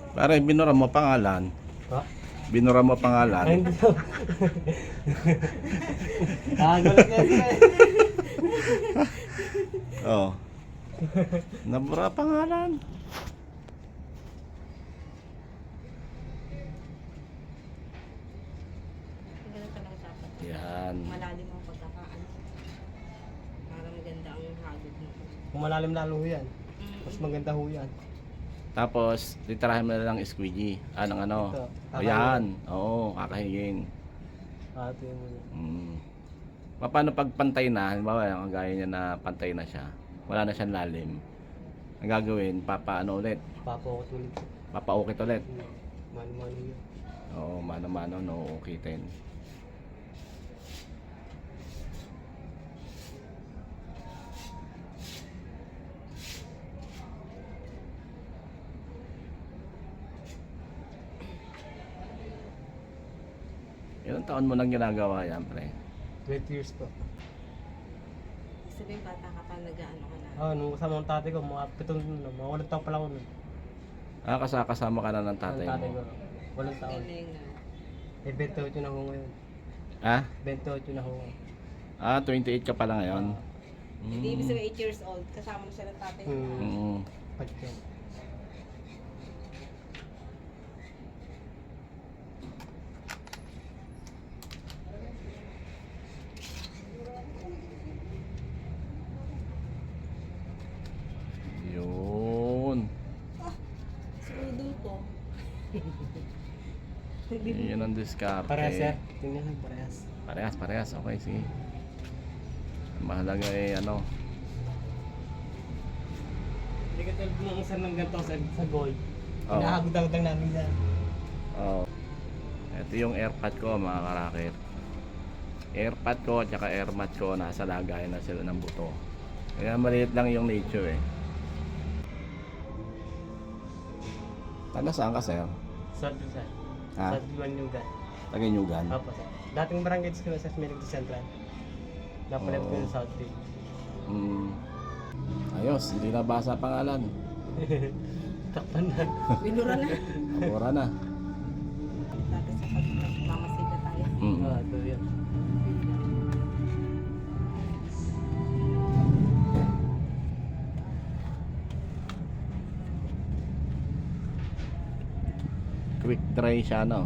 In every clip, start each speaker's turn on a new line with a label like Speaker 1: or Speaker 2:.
Speaker 1: Pare, binura mo pangalan.
Speaker 2: Ha?
Speaker 1: Binura mo
Speaker 2: Ay,
Speaker 1: pangalan.
Speaker 2: hindi daw. Gulat na yun eh.
Speaker 1: Oh. Nabura pangalan.
Speaker 3: Ganun talaga dapat.
Speaker 1: Yan.
Speaker 3: Malalim ang pagkakaano. Para maganda ang hagod mo.
Speaker 2: Kung malalim lalo ho yan.
Speaker 3: Mm.
Speaker 2: Mas maganda ho yan.
Speaker 1: Tapos, titirahin mo na lang squeegee. Anong ano?
Speaker 2: Ito.
Speaker 1: O yan. Oo, kakahingin.
Speaker 2: Ito yung muna.
Speaker 1: Paano pag pantay na, halimbawa, ang gaya niya na pantay na siya, wala na siyang lalim. Ang gagawin, papaano ulit?
Speaker 2: Papakot ulit.
Speaker 1: Papaukit ulit.
Speaker 2: Mano-mano yun.
Speaker 1: Oo, mano-mano, no, ukitin. Ilang taon mo nang ginagawa yan, pre?
Speaker 2: 20 years po.
Speaker 3: Sabihin bata ka pa, nag-ano ka na.
Speaker 2: Nung kasama ng tatay ko, mga 7 na, mga 8 taon pa lang ako nun.
Speaker 1: Kasama ka na ng tatay
Speaker 2: Ang tatay
Speaker 1: mo.
Speaker 2: ko, 8 taon.
Speaker 3: Galing na.
Speaker 2: Eh, 28 na ako ngayon.
Speaker 1: Ha?
Speaker 2: 28 na ako.
Speaker 1: 28 ka pala ngayon.
Speaker 3: Hindi ibig sabihin 8 years old, kasama na siya ng tatay mo.
Speaker 1: Mm.
Speaker 2: Pagyan.
Speaker 1: Yun.
Speaker 3: Sudo ko.
Speaker 1: Yun ang diskarte.
Speaker 2: Parehas sir. Tingnan lang, parehas.
Speaker 1: Parehas. Okay, sige. Ang mahalaga eh, ano.
Speaker 2: Hindi ka tulad ng isa ng ganito sa goal.
Speaker 1: Oo.
Speaker 2: Hinahagod-hagod lang namin yan.
Speaker 1: Oh. Ito yung airpad ko, mga karakit. Airpad ko at saka airmat ko, nasa lagayan na sila ng buto. Kaya maliit lang yung nature eh. Taga saan ka, sir?
Speaker 2: South sir.
Speaker 1: Ha?
Speaker 2: South Luanyugan.
Speaker 1: Taga Nyugan?
Speaker 2: Opo sir. Dating barangay ko sa Smirigdo Central. Napalit ko
Speaker 1: Oo.
Speaker 2: yung South Bay.
Speaker 1: Ayos, hindi na basa pangalan.
Speaker 2: Takpan na.
Speaker 3: Binura na.
Speaker 1: Abura na.
Speaker 3: Dati sa pagmamasid na tayo.
Speaker 2: Ito yun.
Speaker 1: Quick dry siya, no?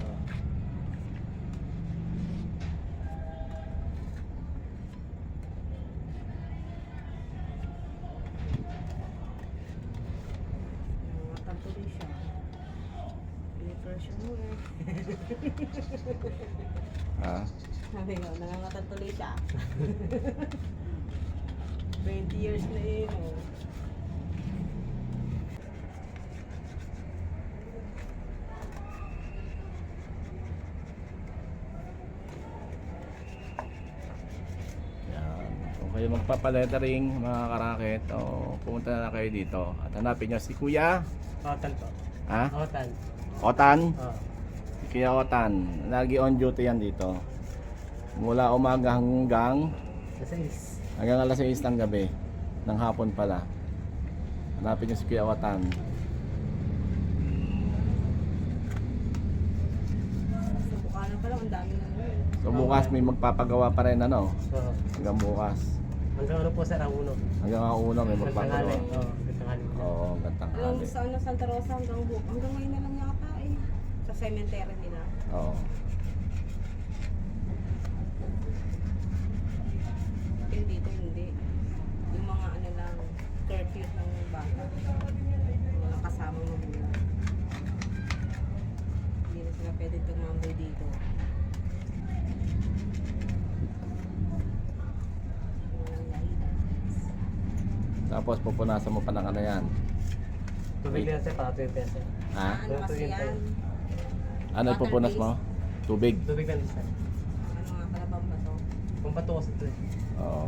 Speaker 3: Nakakatuloy siya. Pinipressure mo eh.
Speaker 1: Ha?
Speaker 3: Sabi ko, nangangatuloy siya. 20 years na yun. Oh.
Speaker 1: Yan. Kung kayo magpapalettering, mga karakit, pumunta na kayo dito. At hanapin nyo si Kuya.
Speaker 2: Hotel po.
Speaker 1: Ha?
Speaker 2: Hotel.
Speaker 1: Otan?
Speaker 2: Oo.
Speaker 1: Si Kuya Otan. Lagi on duty yan dito. Mula umaga hanggang alas 6 ng gabi. Ng hapon pala. Hanapin nyo si Kuya Otan.
Speaker 3: Sa Bukana pa lang, ang dami na yun.
Speaker 1: So bukas may magpapagawa pa rin, ano?
Speaker 2: Oo.
Speaker 1: Hanggang bukas.
Speaker 2: Hanggang ano po sir, ang uno.
Speaker 1: Hanggang ang una may
Speaker 2: Hanggang tanghali.
Speaker 1: magpapagawa.
Speaker 2: Oo, hanggang tanghali.
Speaker 1: Oo, gantang
Speaker 3: Yung
Speaker 1: hali.
Speaker 3: sa ano, Santa Rosa hanggang ngayon na lang yata eh. Sa cemetery nila.
Speaker 1: Oo.
Speaker 3: Yung dito hindi. Yung mga ano lang, curfew ng bata. Yung mga kasama mo muna. Hindi na sila pwede tumambay dito. Walang guidance.
Speaker 1: Tapos pupunasan mo pa ng ano yan.
Speaker 2: Tubig na sir, para 20 peso.
Speaker 1: Ha?
Speaker 3: Ano kasi yan?
Speaker 1: Ano ipupunas mo? Tubig.
Speaker 2: Tubig na sir.
Speaker 3: Ano nga pala bang ba to?
Speaker 2: Kung pato kasi ito eh.
Speaker 1: Oo.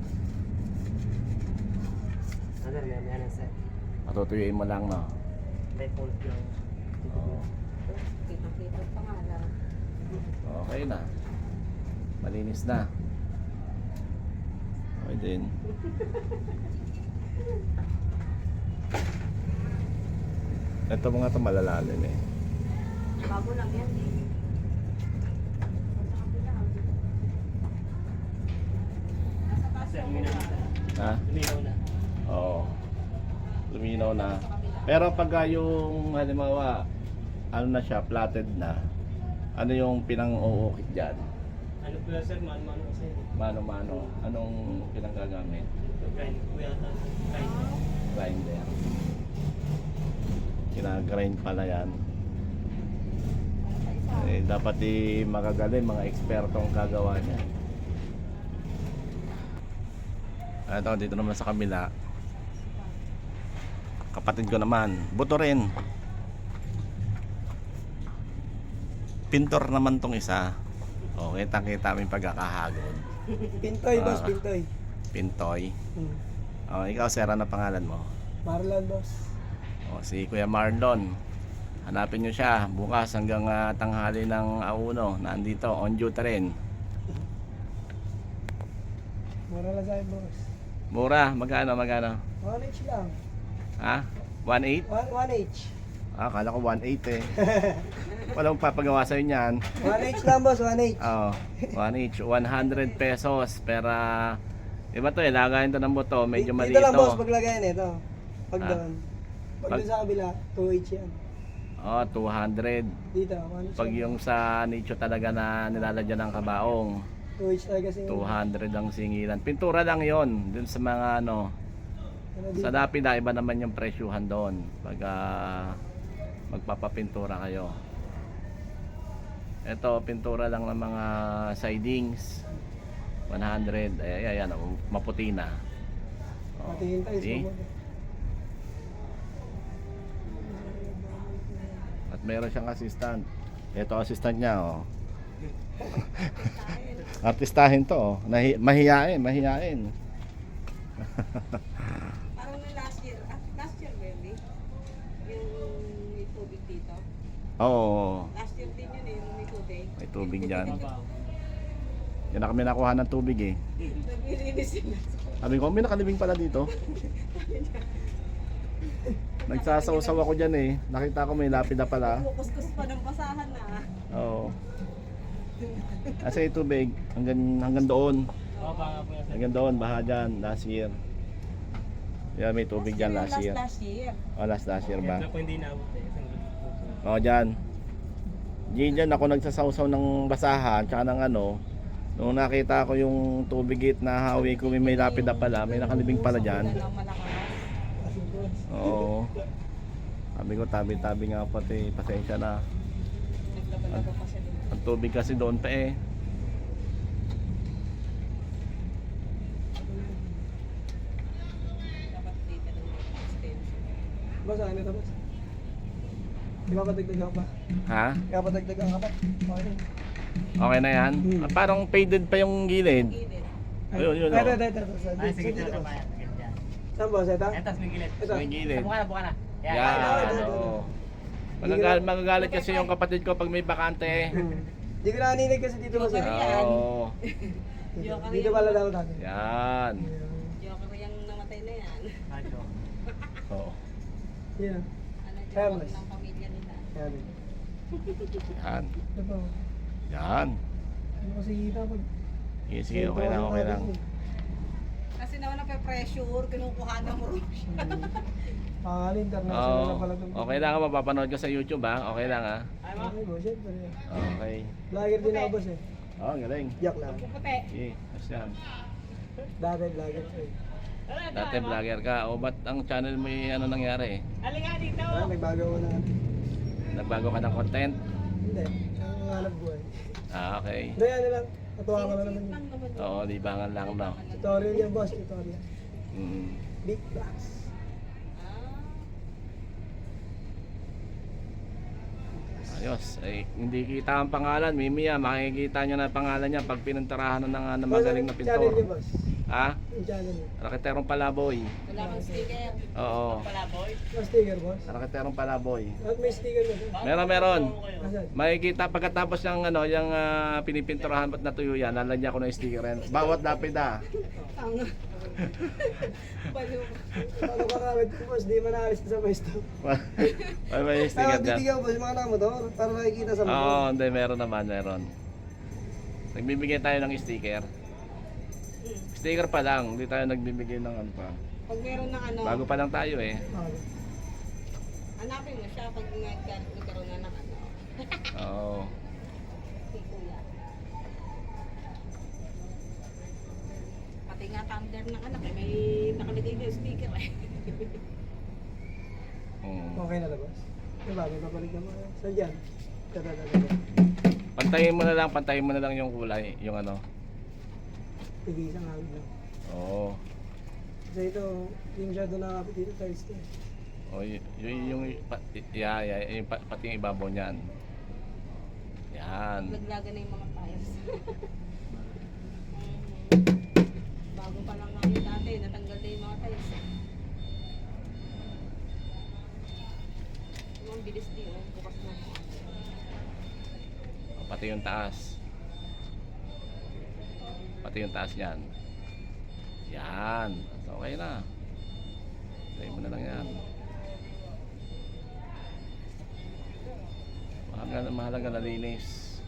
Speaker 2: Ano yan, yan sir.
Speaker 1: Matutuyuin mo lang, no?
Speaker 2: May pulp lang.
Speaker 1: Oo.
Speaker 3: Kita-kita pa nga lang.
Speaker 1: Okay na. Malinis na. Okay din. Ito mga ito malalalim eh.
Speaker 3: Bago lang yan eh. Nasa taas
Speaker 2: Sir,
Speaker 3: yung
Speaker 2: uminaw
Speaker 3: mura.
Speaker 2: na.
Speaker 1: Ha?
Speaker 2: Luminaw na.
Speaker 1: Oo. Luminaw na. Pero pagka yung halimbawa, ano na siya, platted na, ano yung pinang-uukit dyan?
Speaker 2: Ano po yan, sir? Mano-mano kasi.
Speaker 1: Mano-mano. Anong pinanggagamit?
Speaker 2: Grind po yata. Grind.
Speaker 1: Grinder. Kinagrind pala yan. Eh, dapat magagaling, mga ekspertong kagawa niya. Ito, dito naman sa kabila. Kapatid ko naman, buto rin. Pintor naman tong isa. O, kitang-kita aming pagkakahagod.
Speaker 2: Pintoy, boss,
Speaker 1: Ah.
Speaker 2: pintoy.
Speaker 1: Pintoy. O, ikaw, sir, ano pangalan mo?
Speaker 2: Marlon, boss.
Speaker 1: O, si Kuya Marlon. Hanapin nyo siya bukas hanggang tanghali ng auno. Nandito, on duty rin.
Speaker 2: Mura lang sa'yo, boss.
Speaker 1: Mura, magkano?
Speaker 2: 1H lang.
Speaker 1: Ha? 1.8?
Speaker 2: 1H.
Speaker 1: Ah, kala ko 1.8 eh. Walang papagawa sa'yo niyan.
Speaker 2: 1H lang, boss, 1H.
Speaker 1: Oo, 1 each. 100 pesos. Pero, iba to eh, lagayin to ng buto. Medyo mali
Speaker 2: Dito lang, boss,
Speaker 1: ito.
Speaker 2: paglagayan ito. Pag
Speaker 1: Ah.
Speaker 2: doon. Pag
Speaker 1: Pag-
Speaker 2: doon sa kabila, 2H yan.
Speaker 1: Oh, 200.
Speaker 2: Dito, 1H.
Speaker 1: Pag yung sa nicho talaga na nilalagyan ng kabaong,
Speaker 2: 2H talaga kasi.
Speaker 1: 200 ang singilan. Pintura lang yon dun sa mga ano. Sa Lapida, iba naman yung presyuhan doon. Pag magpapapintura kayo. Ito, pintura lang ng mga sidings. 100. Ayan, maputi na. Oh,
Speaker 2: Patingin tayo.
Speaker 1: see? At meron siyang assistant. Ito assistant niya, oh. Artistahin to, oh. Mahiyain.
Speaker 3: Parang na last year. Last year, baby. Yung may tubig dito.
Speaker 1: Oo,
Speaker 3: Last year din yun eh, yung may tubig.
Speaker 1: may tubig dyan.
Speaker 2: Mabaw.
Speaker 1: Yan na kami nakuha ng tubig eh.
Speaker 3: Naglilinis sila.
Speaker 1: Sabi ko, may nakalibing pala dito. Nagsasaw-saw ako dyan eh. Nakita ko may lapida pala.
Speaker 3: Kukuskus pa ng basahan na.
Speaker 1: Oo. Kasi yung tubig, hanggang doon.
Speaker 2: Mababa nga po yan, sir.
Speaker 1: Hanggang doon, baha dyan, last year. Yan, may tubig dyan last year.
Speaker 3: Last year.
Speaker 1: Oh, last year ba?
Speaker 2: Kaya po hindi naabot eh. Isang gusto.
Speaker 1: Oo, dyan. Dyan ako nagsasawsaw ng basahan, tsaka ng ano. Nung nakita ko yung tubig gate na hawi ko, may lapida pala, may nakalibing pala dyan.
Speaker 3: Wala nang malakas.
Speaker 1: Oo. Sabi ko, tabi-tabi nga pati, pasensya na.
Speaker 3: Naglaba-laba pa siya dito.
Speaker 1: Ang tubig kasi doon pa eh.
Speaker 3: Dapat dito ng extension.
Speaker 2: Boss, ano ito, boss? Di ba padagdagan ka pa?
Speaker 1: Ha?
Speaker 2: Kaya padagdagan ka pa? Okay.
Speaker 1: Okay na yan? Ah, parang faded pa yung gilid.
Speaker 3: Gilid.
Speaker 1: Ayun, yun,
Speaker 2: Ito,
Speaker 1: oh.
Speaker 2: ito.
Speaker 4: Ay, sige,
Speaker 2: Dito,
Speaker 4: tara
Speaker 2: boss.
Speaker 4: pa yan. Ganyan.
Speaker 2: Saan, boss? Ito?
Speaker 4: Eto, may gilid.
Speaker 2: Ito.
Speaker 1: May gilid.
Speaker 4: Buka na.
Speaker 1: Yan, oo. Magagalit kasi yung kapatid ko pag may bakante.
Speaker 2: Hindi ko naninig kasi dito, boss.
Speaker 1: Oo.
Speaker 2: Dito pala daw tayo.
Speaker 1: Yan.
Speaker 3: Joker yung namatay na yan.
Speaker 4: Acho.
Speaker 1: Oo.
Speaker 2: Yeah.
Speaker 3: Ano,
Speaker 2: Harmless.
Speaker 3: joker ng pamilya nila.
Speaker 2: Yan.
Speaker 1: Yan.
Speaker 2: Ito po.
Speaker 1: Yan.
Speaker 2: Ano kasi kita pag...
Speaker 1: Sige, sige, okay lang.
Speaker 3: Kasi naman nape-pressure, kinukuha na mo.
Speaker 2: Pangalan, international na
Speaker 1: Oo.
Speaker 2: pala ito.
Speaker 1: Okay lang, mapapanood ko sa YouTube ha. Okay lang ha.
Speaker 2: Okay, boss. Siyempre.
Speaker 1: Okay.
Speaker 2: Vlogger din ako, boss eh.
Speaker 1: Oh, galing.
Speaker 2: Yak lang.
Speaker 3: Puputi.
Speaker 1: Sige, ayos yan.
Speaker 2: Dati vlogger ko eh.
Speaker 1: Dati vlogger ka. O ba't ang channel mo yung ano nangyari?
Speaker 2: Nagbago ko na.
Speaker 1: Nagbago ka ng content?
Speaker 2: Hindi. Ang hanap buhay.
Speaker 1: Ah, okay.
Speaker 2: Hindi, ano lang. Natuwa ka na naman yun.
Speaker 1: Oo, libangan lang no.
Speaker 2: Tutorial yan, boss. Tutorial.
Speaker 1: Mm.
Speaker 2: Big blocks.
Speaker 1: Ayos. Ay, hindi kita ang pangalan. Mimiya, makikita nyo na pangalan niya pag pininturahan ng magaling na
Speaker 2: Channel niya,
Speaker 1: pintor.
Speaker 2: boss.
Speaker 1: Ha?
Speaker 2: Yung channel niya.
Speaker 1: Raketerong Palaboy.
Speaker 3: Wala kang sticker.
Speaker 1: Oo.
Speaker 2: May sticker, boss.
Speaker 1: Raketerong Palaboy.
Speaker 2: At may sticker na, boss.
Speaker 1: Meron.
Speaker 2: Asan?
Speaker 1: Makikita pagkatapos ng ano, yung pinipinturahan ba't natuyo yan, lalagyan ko ng sticker yan. Bawat lapida.
Speaker 3: Baliw.
Speaker 2: Paano kakawit ko, boss? Di manaalis sa pwesto.
Speaker 1: May may sticker dyan.
Speaker 2: Titigaw, boss, mga nakamotor para nakikita sa
Speaker 1: Oo,
Speaker 2: motor.
Speaker 1: hindi, meron naman, meron. Nagbibigay tayo ng sticker. Sticker pa lang, hindi tayo nagbibigay ng ano pa.
Speaker 3: Pag meron ng ano,
Speaker 1: Bago pa lang tayo eh.
Speaker 3: hanapin mo siya pag nagkaroon na ng ano.
Speaker 1: Oo.
Speaker 3: Si Kuya. Pati nga thunder ng anak eh, may nakalagay na yung sticker eh.
Speaker 2: Okay na labas. Diba, may papalig na mga. Saan dyan?
Speaker 1: Pantayin mo na lang yung kulay, yung ano.
Speaker 2: Tigisa nga lang.
Speaker 1: Oo.
Speaker 2: Kasi ito, yung masyado nakakapit dito, tiles to.
Speaker 1: Oh, yung pati yung ibabaw niyan. Yan.
Speaker 3: Laglagan na yung mga tires. Bago pa lang nga yun dati, natanggal na yung mga tires. Ang bilis din, oh. Bukas na.
Speaker 1: Pati yung taas. Pati yung taas niyan. Yan. Okay na. Lagay mo na lang yan. Mahalaga na linis.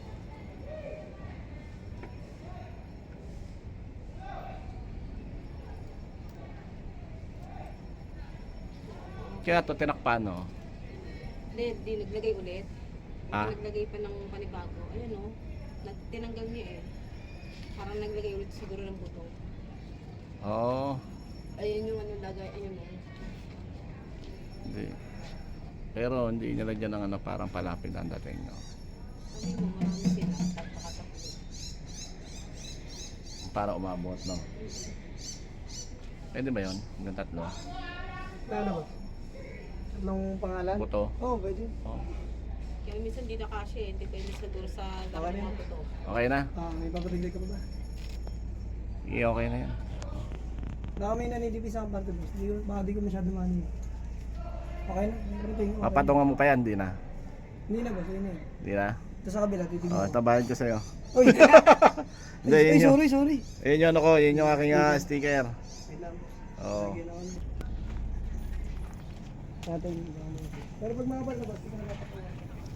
Speaker 1: Kaya ito tinakpan, no?
Speaker 3: Hindi, naglagay ulit.
Speaker 1: Ah?
Speaker 3: Naglagay pa ng panibago. Ayun oh. Tinanggal niya eh. Parang naglagay ulit siguro ng buto.
Speaker 1: Oo.
Speaker 3: Ayun yung ano lagay, ayun oh.
Speaker 1: Hindi. Pero hindi nilagyan ng ano, parang palapit ang dating, no?
Speaker 3: Kasi mo marami sila. Tapos
Speaker 1: Para umabot, no? Pwede ba yun? Hanggang tatlo?
Speaker 2: Ano ba? Tatlong pangalan?
Speaker 1: Buto?
Speaker 2: Oo, pwede.
Speaker 1: Oh.
Speaker 3: kaya minsan di na kasi eh. Hindi pwede siguro sa
Speaker 2: Okay
Speaker 3: dami
Speaker 2: na
Speaker 3: mga
Speaker 2: yan.
Speaker 3: buto.
Speaker 1: Okay na?
Speaker 2: May papatigay ka pa ba?
Speaker 1: Iya, okay na yan.
Speaker 2: Baka may nanilipis akong parte, boss. Baka di ko masyado manin. Okay na? Everything okay.
Speaker 1: Papatungan mo pa yan, di na?
Speaker 2: Hindi na, boss. Yun na.
Speaker 1: Di na?
Speaker 2: Ito sa kabila, titignan
Speaker 1: Oh,
Speaker 2: ko.
Speaker 1: ito bayad ko sa'yo.
Speaker 2: Uy!
Speaker 1: Hindi,
Speaker 2: Ay,
Speaker 1: yun yung,
Speaker 2: sorry.
Speaker 1: yun yung ano ko, yun yung aking sticker.
Speaker 2: Wait lang, boss.
Speaker 1: Oo.
Speaker 2: Lagyan ako na. Natin, pero pag makapal na, boss, hindi ko na napapawa.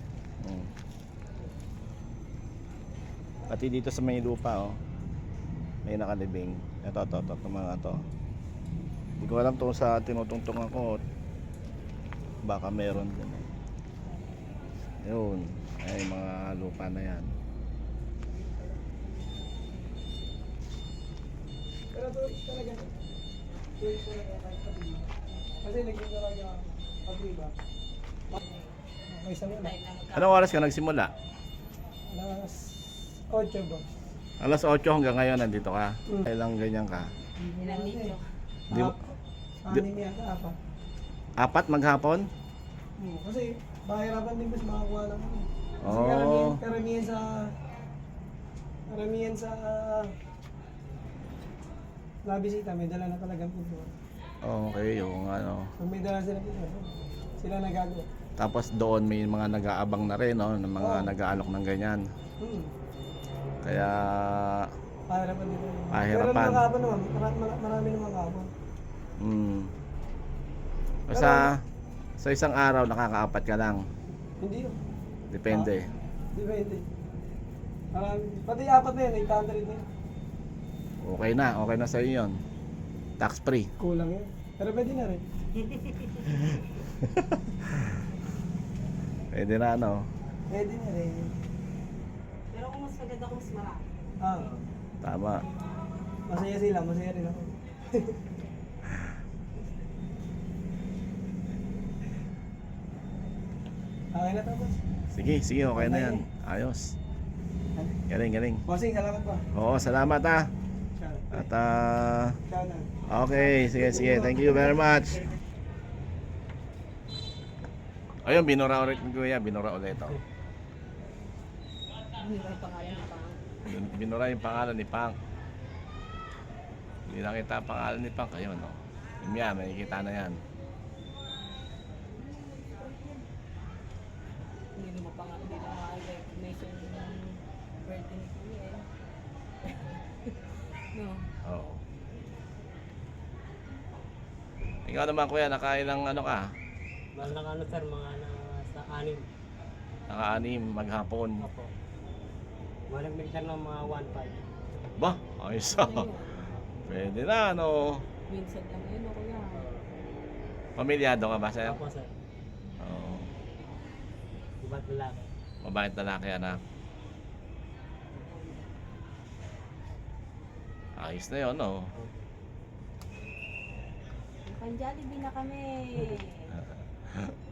Speaker 1: Pati dito sa may lupa, oh. May nakalibing. Ito, mga to. Hindi ko alam to sa tinutungtungan ko. Baka meron din. Yun. Ay, mga lupa na yan.
Speaker 2: Pero tourist talaga. Tourist talaga kahit pati. Kasi naging talaga pati ba? Okay, sa wala.
Speaker 3: Dahil na
Speaker 1: Anong oras ka nagsimula?
Speaker 2: Alas 8 ba?
Speaker 1: Alas 8 hanggang ngayon nandito ka. Kailang ganyan ka.
Speaker 3: ilang litro.
Speaker 1: Di mo-
Speaker 2: Anim yata, apa.
Speaker 1: 4 maghapon?
Speaker 2: Kasi mahirapan din mas makakuha ng ano. Kasi
Speaker 1: Oo.
Speaker 2: karamihan sa nabisita, may dala na talagang puto.
Speaker 1: Okay, yung ano.
Speaker 2: Pag may dala sila puto, sila nagagawa.
Speaker 1: Tapos doon may mga nag-aabang na rin, no? Ng mga
Speaker 2: Oo.
Speaker 1: nag-aalok ng ganyan. Kaya
Speaker 2: Mahirapan din.
Speaker 1: Mahirapan.
Speaker 2: Pero nakapon naman, marami naman kapon.
Speaker 1: sa isang araw nakakaapat ka lang.
Speaker 2: Hindi yun.
Speaker 1: Depende.
Speaker 2: Depende. Marami. Pati apat na yun, 800 na yun.
Speaker 1: Okay na sa iyo 'yon. Tax free.
Speaker 2: Kulang yun. Pero pwede na rin.
Speaker 1: Pwede na ano.
Speaker 2: Pwede na rin.
Speaker 3: Pero kung mas maganda kung mas marami.
Speaker 1: Tama.
Speaker 2: Masaya sila, masaya rin ako. Okay na tapos.
Speaker 1: Sige, okay na 'yan. Ayos. Galing.
Speaker 2: Bossing, salamat pa.
Speaker 1: Oo, salamat ah.
Speaker 2: Ciao.
Speaker 1: At
Speaker 2: Ciao na.
Speaker 1: okay, sige. Thank you very much. Ayun, binura ulit ni Kuya, binura ulit ito.
Speaker 3: Hindi ba yung pangalan na pang?
Speaker 1: Binura yung pangalan ni Pang. Hindi nakita ang pangalan ni Pang. Ayun, no? Yung yan, makikita na yan.
Speaker 3: Hindi naman pangalan, hindi naman recognition ng birthday ni Kuya eh. No.
Speaker 1: Oo. Ikaw naman kuya, nakain ng ano ka?
Speaker 4: Mahal na ano sir, mga sa 6.
Speaker 1: Naka-anim maghapon.
Speaker 4: Opo. Malagmig sir ng mga 1.5.
Speaker 1: Ba, ayos ah.
Speaker 3: Ano yun?
Speaker 1: Pwede na, ano.
Speaker 3: Minsan lang yun, o kuya.
Speaker 1: Pamilyado ka ba, sir?
Speaker 4: Opo sir.
Speaker 1: Oo.
Speaker 4: Iba't lalaki.
Speaker 1: Mabait na laki, anak. Ayos na yun, no?
Speaker 3: Pan Jollibee na kami.